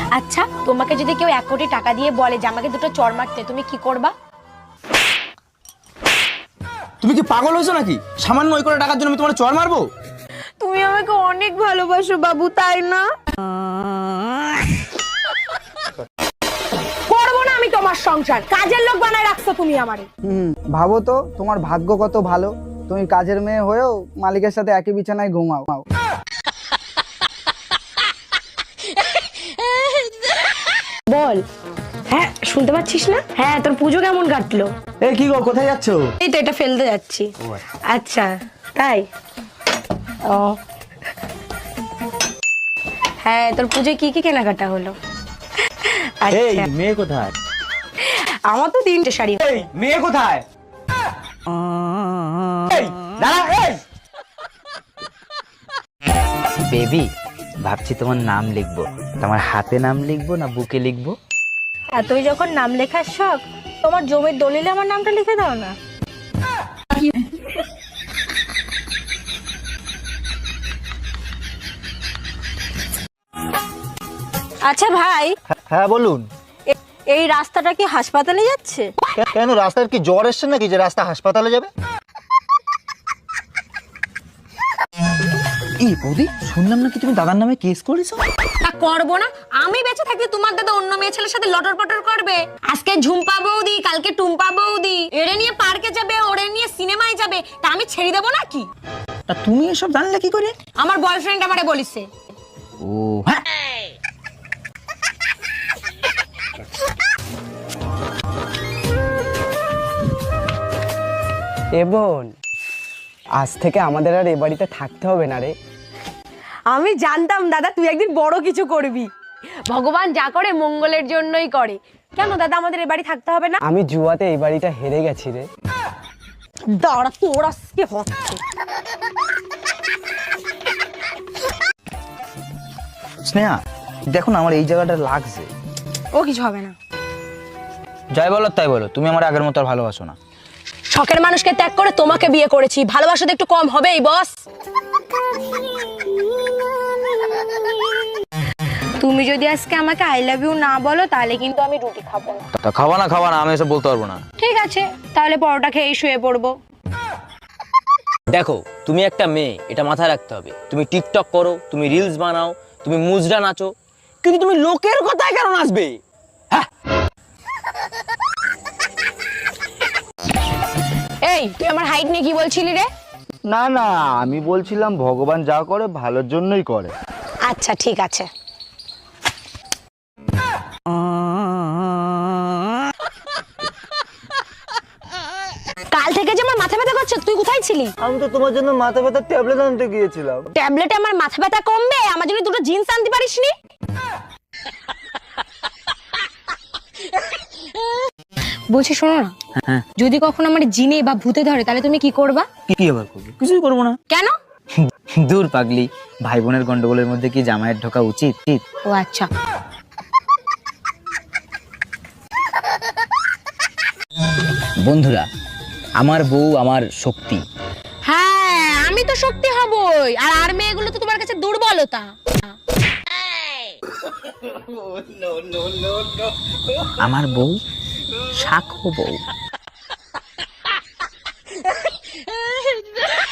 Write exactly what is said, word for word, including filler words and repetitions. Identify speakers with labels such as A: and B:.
A: আচ্ছা, তোমাকে যদি কেউ এক কোটি টাকা দিয়ে বলে যে আমাকে দুটো চড় মারতে, তুমি কি করবা?
B: তুমি কি পাগল হয়েছো নাকি? সামান্য ওই কোটি টাকার জন্য আমি তোমার চড় মারবো?
A: তুমি আমাকে অনেক ভালোবাসো বাবু, তাই না? করবো না আমি তোমার সংসার, কাজের লোক বানায় রাখছো তুমি আমারে।
C: হুম, ভাবো তো তোমার ভাগ্য কত ভালো, তুমি কাজের মেয়ে হয়েও মালিকের সাথে একই বিছানায় ঘুমাও।
A: বল। হ্যাঁ, শুনতে পাচ্ছিস না? হ্যাঁ, তোর পুজো কেমন কাটলো?
B: এই কি গো, কোথায় যাচ্ছো?
A: এই তো এটা ফেলতে যাচ্ছি। আচ্ছা, তাই? ও হ্যাঁ, তোর পুজোয় কি কি কেনাকাটা হলো?
B: এই
A: আচ্ছা,
B: মেয়ে কোথায়?
A: আমার তো তিনটে শাড়ি।
B: এই মেয়ে কোথায়? এই দাঁড়া, এই
D: বেবি, ভাবছি তোমার নাম লিখবো। তোমার হাতে নাম লিখবো না বুকে লিখবো?
A: আর তুই যখন নাম লেখার শখ, তোমার জমির দলিলে আমার নামটা লিখে দাও না। আচ্ছা ভাই,
E: হ্যাঁ বলুন।
A: এ- এই রাস্তাটা কি হাসপাতালে যাচ্ছে?
E: কে- কেন, রাস্তার কি জ্বর এসছে নাকি যে রাস্তা হাসপাতালে যাবে?
B: এই বৌদি, শুনলাম নাকি তুমি দাদার নামে কেস করেছো?
A: তা করবো না? আমি বেঁচে থাকতে তোমার দাদা অন্য মেয়ে ছেলের সাথে লটর পটর করবে? আজকে ঝুম্পা বৌদি, কালকে টুম্পা বৌদি, এরে নিয়ে পার্কে যাবে, ওরে নিয়ে সিনেমায় যাবে, তা আমি ছেড়ে দেবো নাকি?
B: তা তুমি এসব জানলে কি করে?
A: আমার বয়ফ্রেন্ড আমারে বলিছে।
B: ও হ্যাঁ,
C: এ বোন, আজ থেকে আমাদের আর এ বাড়িতে থাকতে হবে না রে।
A: আমি জানতাম দাদা তুই একদিন বড় কিছু করবি। ভগবান যা করে মঙ্গলের জন্যই করে। কেন দাদা আমাদের এ বাড়ি থাকতে হবে না?
C: আমি জুয়াতে এই বাড়িটা হেরে গেছি রে।
A: দাঁড়া, তোর আজকে হচ্ছে।
B: স্নেহা দেখো না, আমার এই জায়গাটা লাগছে।
A: ও কিছু হবে না।
B: যাই বলো তাই বলো, তুমি আমার আগের মতো আর ভালোবাসো না।
A: শখের মানুষকে ত্যাগ করে তোমাকে বিয়ে করেছি, ভালোবাসা তো একটু কম হবেই বস। তুমি যদি আজকে আমাকে আই লাভ ইউ না বলো, তাহলে কিন্তু আমি রুটি খাবো না।
B: তা খাওয়া না খাওয়া না, আমি এসব বলতে পারবো না।
A: ঠিক আছে, তাহলে পরোটা খেয়েই শুয়ে পড়বো।
F: দেখো, তুমি একটা মেয়ে, এটা মাথায় রাখতে হবে। তুমি টিকটক করো, তুমি রিলস বানাও, তুমি মুজরা নাচো, কিন্তু তুমি লোকের কথায় কেন নাচবে?
A: এই তুই আমার হাইট নিয়ে কি বলছিলি রে?
E: না না, আমি বলছিলাম ভগবান যা করে ভালোর জন্যই করে।
A: আচ্ছা ঠিক আছে। কাল থেকে যে আমার মাথা ব্যথা করছে, তুই কোথায় ছিলি?
E: আমি তো তোমার জন্য মাথা ব্যথার ট্যাবলেট আনতে গিয়েছিলাম।
A: ট্যাবলেটে আমার মাথা ব্যথা কমবে? আমার জন্য দুটো জিন্স আনতে পারিসনি? বলছি শোনো না, যদি কখনো আমার জিনে বা ভূতে ধরে তাহলে তুমি কি করবা?
B: কি আবার করবো? কিছুই করবো না।
A: কেন?
D: দূর পাগলি, ভাই বোনের গন্ডগোলের মধ্যে কি জামাইয়ের ঢোকা উচিত?
A: ও আচ্ছা।
D: বন্ধুরা, আমার বউ আমার শক্তি।
A: হ্যাঁ, আমি তো শক্তি হবই, আর আর মেয়েগুলো তো তোমার কাছে দুর্বলতা।
D: আমার বউ শাখো বউ।